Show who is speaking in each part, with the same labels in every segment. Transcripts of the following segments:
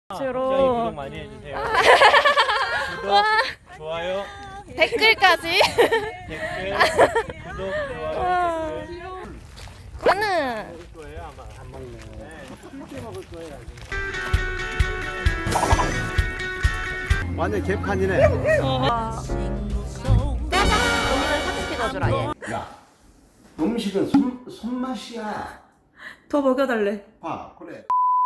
Speaker 1: 주로
Speaker 2: 구독 많이 해주세요. 구독, 좋아요,
Speaker 1: 댓글까지.
Speaker 2: 댓글, 구독, 좋아요, 댓글.
Speaker 1: 저는
Speaker 2: 먹을 거예요 아마 안 먹네. 네, 먹을 거예요.
Speaker 3: 완전 개판이네.
Speaker 1: 짜장 언니는 사진 찍어주라 얘.
Speaker 3: 야, 음식은 손맛이야.
Speaker 4: 더 먹여달래.
Speaker 3: 봐, 그래.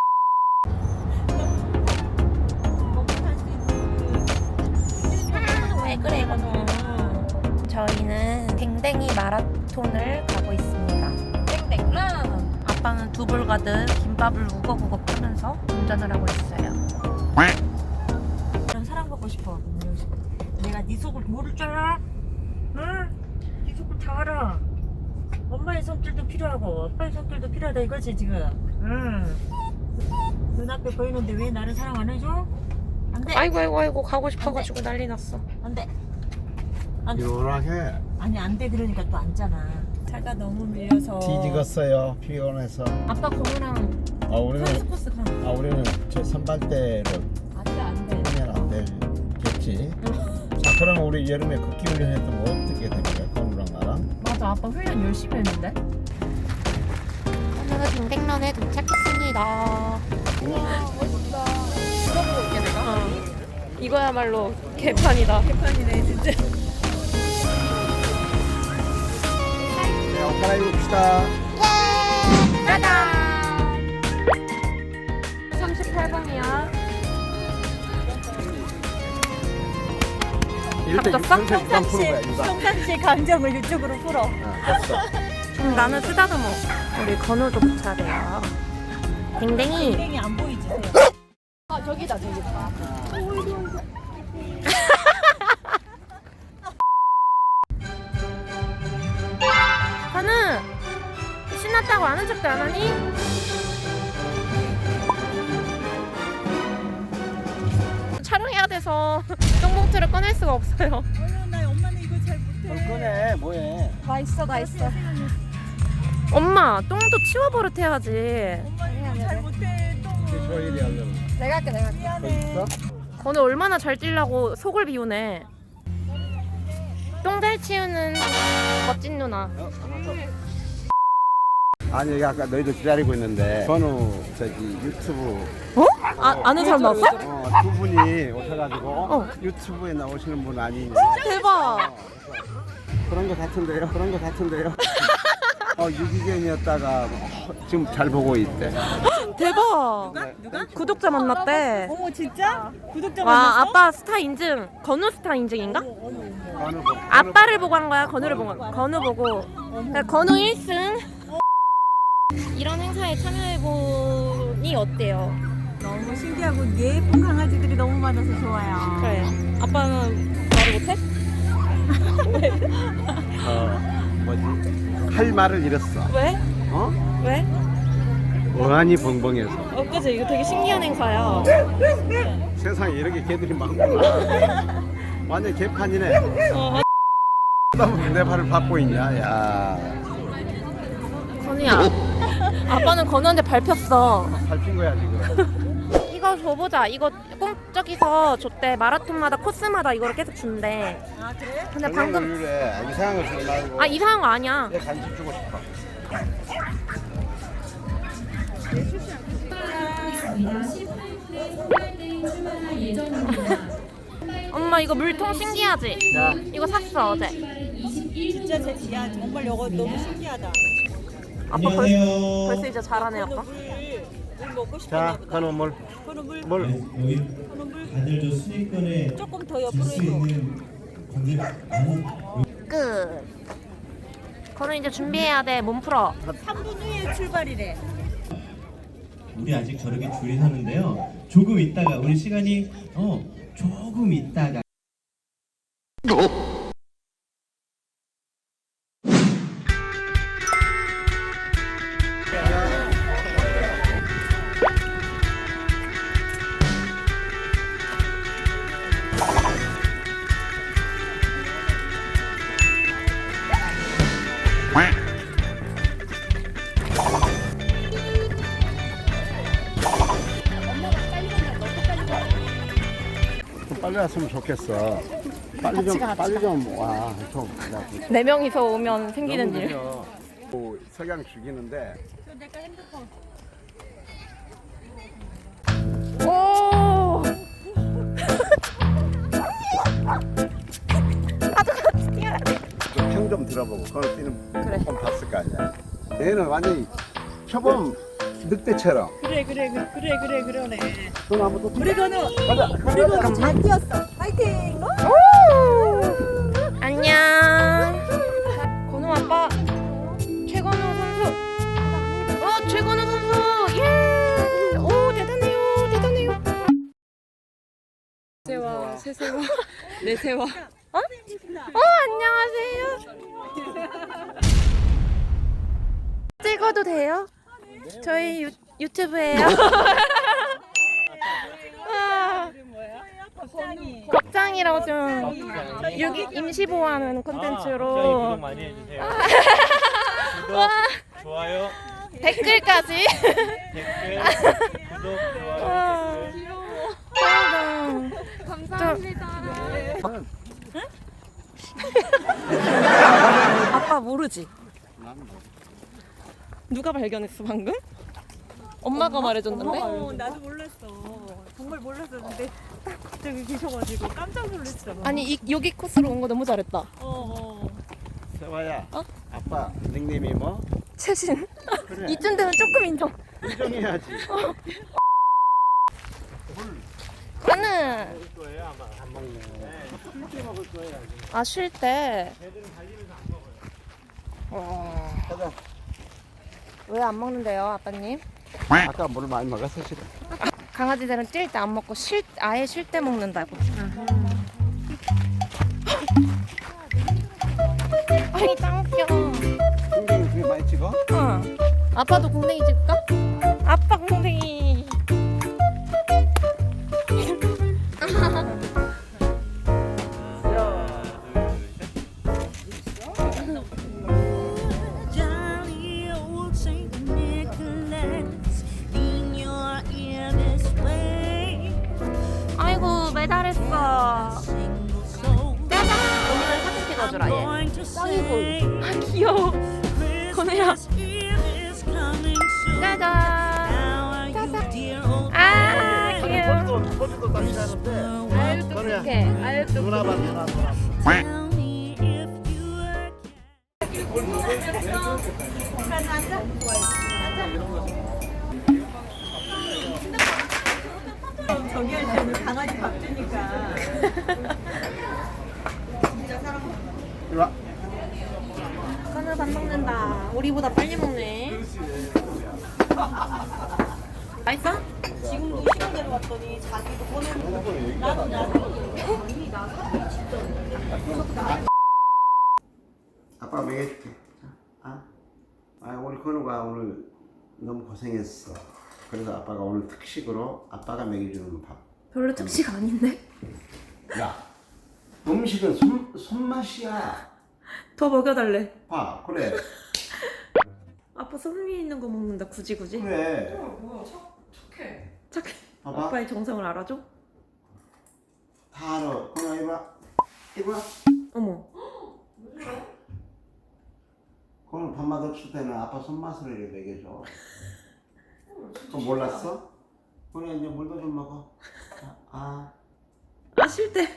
Speaker 1: 왜 그래 이거는. 저희는 댕댕이 마라톤을 가고 있습니다. 댕댕 아빠는 두불 가득 김밥을 우걱우걱 하면서 운전을 하고 있어요.
Speaker 4: 난 사랑받고 싶어. 내가 네 속을 모를 줄 알아? 응? 네 속을 다 알아. 엄마의 손길도 필요하고 아빠의 손길도 필요하다 이거지 지금. 응. 눈앞에 보이는데 왜 나를 사랑 안 해줘? 안 돼.
Speaker 1: 아이고 가고 싶어가지고 난리 났어.
Speaker 4: 안 돼. 안 돼.
Speaker 3: 요란해.
Speaker 4: 아니 안 돼 그러니까 또 앉잖아. 차가 너무 밀려서.
Speaker 3: 뒤지겠어요. 피곤해서.
Speaker 1: 아빠 건우랑
Speaker 3: 아, 우리는
Speaker 4: 코스 가.
Speaker 3: 우리는 저 선발대로
Speaker 4: 안돼 안돼.
Speaker 3: 하면 안 되겠지. 자, 그럼 우리 여름에 걷기 훈련했던 거 어떻게 됩니까? 건우랑 나랑?
Speaker 1: 맞아 아빠 훈련 열심히 했는데. 오늘은 댕댕런에 도착했습니다. 우와 멋있다. 물어보고 올게 내가. 이거야말로 개판이다.
Speaker 4: 개판이네 진짜.
Speaker 3: 네, 옷 갈아입읍시다.
Speaker 1: 짜잔. 38번이야.
Speaker 3: 이럴 때
Speaker 1: 잡혔어?
Speaker 3: 육상 그만 푸는 거야, 육상.
Speaker 4: 평상시 감정을 이쪽으로 풀어.
Speaker 3: 됐어.
Speaker 1: 나는 쓰다듬어. 우리 건우도 붙여야 돼요. 댕댕이.
Speaker 4: 땡이 안 보이지?
Speaker 1: 아 저기다. 건우 신났다고 아는 척도 안 하니? 촬영해야 돼서 똥봉투를 꺼낼 수가 없어요.
Speaker 4: 나 엄마는 이거 잘 못해.
Speaker 3: 뭘 꺼내, 뭐해.
Speaker 1: 다 있어. 엄마 똥도 치워버릇 해야지.
Speaker 4: 엄마는 이거 잘 못해. 똥을.
Speaker 3: 저 일이 하려면.
Speaker 1: 내가 할게.
Speaker 3: 거
Speaker 4: 미안해.
Speaker 3: 있어?
Speaker 1: 건우 얼마나 잘 뛰려고 속을 비우네. 똥 잘 치우는 멋진 누나.
Speaker 3: 아니, 여기 아까 너희들 기다리고 있는데 건우 저기 유튜브
Speaker 1: 아는 사람 나왔어?
Speaker 3: 두 분이 오셔가지고 유튜브에 나오시는 분 아니냐.
Speaker 1: 대박.
Speaker 3: 그런 거 같은데요. 유기견이었다가 지금 잘 보고 있대.
Speaker 1: 대박.
Speaker 3: 누가?
Speaker 1: 구독자 만났대.
Speaker 4: 어머 진짜? 구독자
Speaker 1: 와
Speaker 4: 만났어?
Speaker 1: 아빠 스타 인증. 건우 스타 인증인가?
Speaker 3: 건우 보고.
Speaker 1: 아빠를 보고 한 거야. 건우를 보고. 건우 보고. 그러니까 건우 1승. 이런 행사에 참여해보니 어때요?
Speaker 4: 너무 신기하고 예쁜 강아지들이 너무 많아서 좋아요.
Speaker 1: 그래. 아빠는 말을 못해?
Speaker 3: 뭐지? 할 말을 잃었어.
Speaker 1: 왜?
Speaker 3: 어?
Speaker 1: 왜?
Speaker 3: 어안이 벙벙해서.
Speaker 1: 그치 이거 되게 신기한 행사야.
Speaker 3: 세상에 이렇게 개들이 많구나. 완전 개판이네. 내 발을 밟고 있냐? 야,
Speaker 1: 건우야. 아빠는 건우한테 밟혔어.
Speaker 3: 밟힌 거야 지금.
Speaker 1: 이거 줘보자. 이거 꼭 저기서 줬대. 마라톤마다 코스마다 이거를 계속 준대.
Speaker 4: 아 그래?
Speaker 1: 근데 방금
Speaker 3: 그래. 이상한 거 주지 말고.
Speaker 1: 이상한 거 아니야.
Speaker 3: 얘 간식 주고 싶어.
Speaker 1: 엄마 이거 물통 신기하지?
Speaker 3: 자,
Speaker 1: 이거 샀어 어제.
Speaker 4: 진짜 야 정말 이거 너무 신기하다.
Speaker 1: 아빠 벌써 이제 잘하네 아빠.
Speaker 4: 물 먹고
Speaker 3: 자,
Speaker 4: 싶었나 보다.
Speaker 3: 건우 물.
Speaker 4: 그럼 물
Speaker 3: 물.
Speaker 5: 여기
Speaker 4: 그럼 물
Speaker 5: 다들 저 수익권에
Speaker 4: 조금 더
Speaker 5: 줄
Speaker 4: 옆으로
Speaker 5: 수
Speaker 4: 해줘.
Speaker 5: 있는 건데 많은
Speaker 1: 끝. 건우 이제 준비해야 돼. 몸 풀어.
Speaker 4: 3분 후에 출발이래.
Speaker 5: 우리 아직 저렇게 줄이 서는데요. 조금 있다가 우리 시간이 조금 있다가
Speaker 1: 엄마가 빨리 간다.
Speaker 3: 빨리 왔으면 좋겠어. 빨리 좀 와. 좀.
Speaker 1: 4명이서 오면 생기는 일.
Speaker 3: 석양 죽이는데.
Speaker 1: 오!
Speaker 3: 평 좀 들어보고 그걸 뛰는
Speaker 1: 그래.
Speaker 3: 좀 봤을 거 아니야. 얘는 완전히 표범 늑대처럼.
Speaker 4: 그래 그러네.
Speaker 3: 그럼 한번 또
Speaker 4: 우리 건우
Speaker 3: 가자.
Speaker 4: 잘 뛰었어. 파이팅.
Speaker 1: 안녕. 건우 아빠. 최건우 선수. 최건우 선수. 예. 오, 대단해요.
Speaker 4: 세와 새세와 내세와.
Speaker 1: 안녕하세요. 찍어도 돼요? 저희 유튜브예요. 겁장이라고 좀 여기 임시 보호하는 콘텐츠로
Speaker 2: 구독 많이 해주세요. 구독, 좋아요,
Speaker 1: 댓글까지.
Speaker 2: 댓글, 구독, 좋아요,
Speaker 1: 와.
Speaker 2: 댓글.
Speaker 1: 감사합니다. 아빠 모르지? 누가 발견했어 방금? 엄마가 말해줬는데?
Speaker 4: 나도 몰랐어. 정말 몰랐었는데 딱 갑자기 계셔가지고 깜짝 놀랐잖아.
Speaker 1: 아니 여기 코스로 온 거 너무 잘했다.
Speaker 3: 세화야.
Speaker 1: 어?
Speaker 3: 아빠 닉네임이 뭐?
Speaker 1: 최신.
Speaker 3: 그래.
Speaker 1: 이쯤 되면 조금 인정.
Speaker 3: 인정해야지.
Speaker 1: 나는
Speaker 2: 먹을 거예요 아마. 안 먹네. 쉴때 먹을 거예요.
Speaker 1: 쉴 때.
Speaker 2: 애들은 달리면서 안 먹어요.
Speaker 3: 가자.
Speaker 1: 왜 안 먹는데요, 아빠님?
Speaker 3: 아까 물 많이 먹었어 싫어.
Speaker 1: 강아지들은 뛸 때 안 먹고 아예 쉴 때 먹는다고. 아이 짱 웃겨.
Speaker 3: 풍경이 그게 많이 찍어?
Speaker 1: 응. 아빠도 궁뎅이 찍을까? 아빠 궁뎅이.
Speaker 6: Jolly old Saint Nicholas, in your ear this way.
Speaker 1: 아이고 매달했어.
Speaker 6: Single soul,
Speaker 1: 짜잔. 오늘은 사진 찍어주라 얘.
Speaker 6: going to say,
Speaker 1: 아 귀여워. 건우야.
Speaker 6: Christmas Eve is coming soon.
Speaker 1: 짜잔.
Speaker 6: How are you, dear old
Speaker 1: 아 귀여워.
Speaker 3: 포즈도 다시 하는데.
Speaker 1: 아유 똑똑해. 아유 똑똑해.
Speaker 3: 누나 봐.
Speaker 6: Tell me if you are
Speaker 4: 저기 할 때는 강아지 밥 주니까.
Speaker 3: 이리 와.
Speaker 1: 건우 밥 먹는다. 우리보다 빨리 먹네. 맛있어?
Speaker 4: 지금도 신호대로 왔더니 자기도 보내는
Speaker 3: 아빠 먹여줄게. 우리 건우가 오늘 너무 고생했어. 그래서 아빠가 오늘 특식으로 아빠가 먹여주는 밥.
Speaker 1: 별로 특식 아닌데?
Speaker 3: 야, 음식은 손맛이야.
Speaker 1: 더 먹여달래.
Speaker 3: 봐, 그래.
Speaker 1: 아빠 손 위에 있는 거 먹는다 굳이.
Speaker 3: 그래.
Speaker 1: 착해.
Speaker 3: 봐봐.
Speaker 1: 아빠의 정성을 알아줘?
Speaker 3: 다 알아. 건우야, 이리 와. 이리 와.
Speaker 1: 어머.
Speaker 3: 건우 밥맛 없을 때는 아빠 손맛으로 이렇게 먹여줘. 그거 몰랐어? 건우야, 이제 물도 좀 먹어.
Speaker 1: 쉴 때.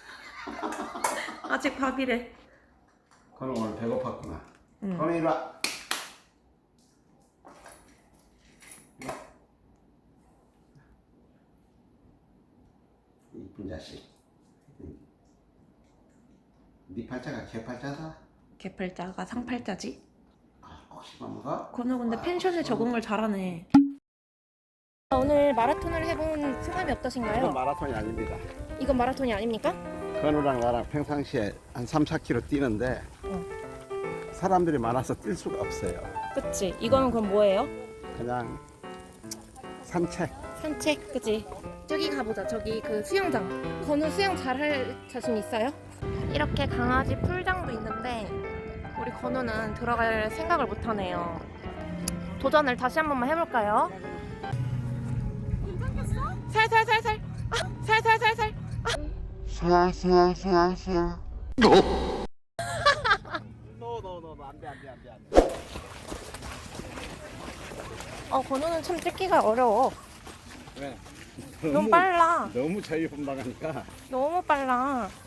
Speaker 1: 아직 밥이래.
Speaker 3: 건우 오늘 배고팠구나.
Speaker 1: 응.
Speaker 3: 건우 이리 와. 이쁜 자식. 네 팔자가 개팔자다.
Speaker 1: 개팔자가 상팔자지?
Speaker 3: 꼭 씹어 먹어?
Speaker 1: 건우 근데 펜션에 적응을 잘하네. 오늘 마라톤을 해본 소감이
Speaker 3: 이건
Speaker 1: 어떠신가요?
Speaker 3: 마라톤이 아닙니다.
Speaker 1: 이건 마라톤이 아닙니까?
Speaker 3: 건우랑 나랑 평상시에 한 3, 4km 뛰는데 사람들이 많아서 뛸 수가 없어요.
Speaker 1: 그치? 이거는 그럼 뭐예요?
Speaker 3: 그냥 산책.
Speaker 1: 산책, 그치? 저기 가보자. 저기 그 수영장. 건우 수영 잘할 자신 있어요? 이렇게 강아지 풀장도 있는데 우리 건우는 들어갈 생각을 못하네요. 도전을 다시 한 번만 해볼까요? 살살살살. 살살살살.
Speaker 2: 너 안돼 안돼.
Speaker 1: 건우는 참 찍기가 어려워.
Speaker 2: 왜?
Speaker 1: 너무 빨라.
Speaker 2: 너무 자유분방하니까.
Speaker 1: 너무 빨라.